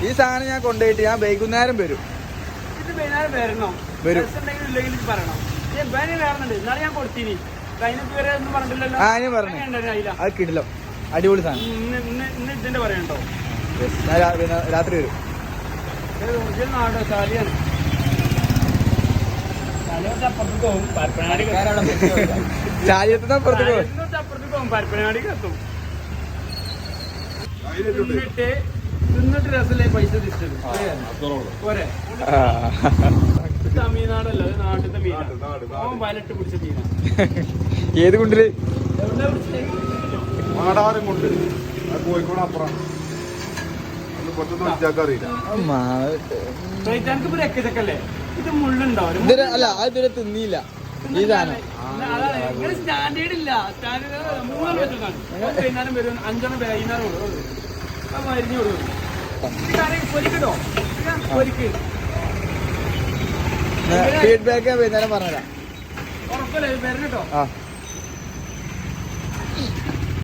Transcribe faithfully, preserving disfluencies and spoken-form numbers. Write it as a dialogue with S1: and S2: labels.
S1: ഈ സാധനം ഞാൻ കൊണ്ടുപോയിട്ട് ഞാൻ വൈകുന്നേരം വരും.
S2: ഇത് വൈകുന്നേരം വരണോ?
S1: വരും.
S2: ഇല്ലെങ്കിൽ പറയണം. ഇന്നാളെ ഞാൻ കൊടുത്തിനി. അതിനൊക്കെ വരെ ഒന്നും പറഞ്ഞില്ലല്ലോ.
S1: ആ ഞാൻ പറഞ്ഞു. അത് കിടിലോ അടിപൊളി സാധനം.
S2: ഇന്ന് ഇതിന്റെ പറയണ്ടോ?
S1: ഞാൻ രാത്രി വരും.
S2: നാടോ ചാലിയാണ്. അപ്പുറത്തേക്ക് പോകും. പരപ്പനാടി
S1: ചാലിയത്തിന് അപ്പുറത്തേക്ക് പോകും.
S2: അപ്പുറത്തേക്ക് പോകും. പരപ്പനാടിക്ക് എത്തും. തിന്നിട്ട് തിന്നിട്ട് രസല്ലേ പൈസ തിരിച്ചത് പോരെ. തമിഴ്നാടല്ല, നാട്ടിലത്തെ മീനാണ്. വലട്ട് പിടിച്ച മീനാണ്.
S1: ഏത് കുണ്ടില്?
S2: എവിടെ പിടിച്ചത്?
S3: മാടാരം കൊണ്ട് കോഴിക്കോട് അപ്പുറം
S2: അറിയില്ല. ഇത് മുള്ളുണ്ടാവും.
S1: അല്ല അത് ഇതുവരെ തിന്നിയില്ല ഈ സാധനം.
S2: സ്റ്റാൻഡേർഡ് ഇല്ല. സ്റ്റാൻഡേർഡ് മൂന്നെണ്ണം വെച്ചിട്ടാണ്. വൈകുന്നേരം വരും. അഞ്ചെണ്ണം വൈകുന്നേരം കൊടുക്കും. മരിഞ്ഞു കൊടുക്കും. പൊരിക്കട്ടോ? പൊരിക്ക്.
S1: ഫീഡ്ബാക്ക് വൈകുന്നേരം പറഞ്ഞുതരാം.
S2: ഉറപ്പല്ലേ വരണം കേട്ടോ.
S1: ആ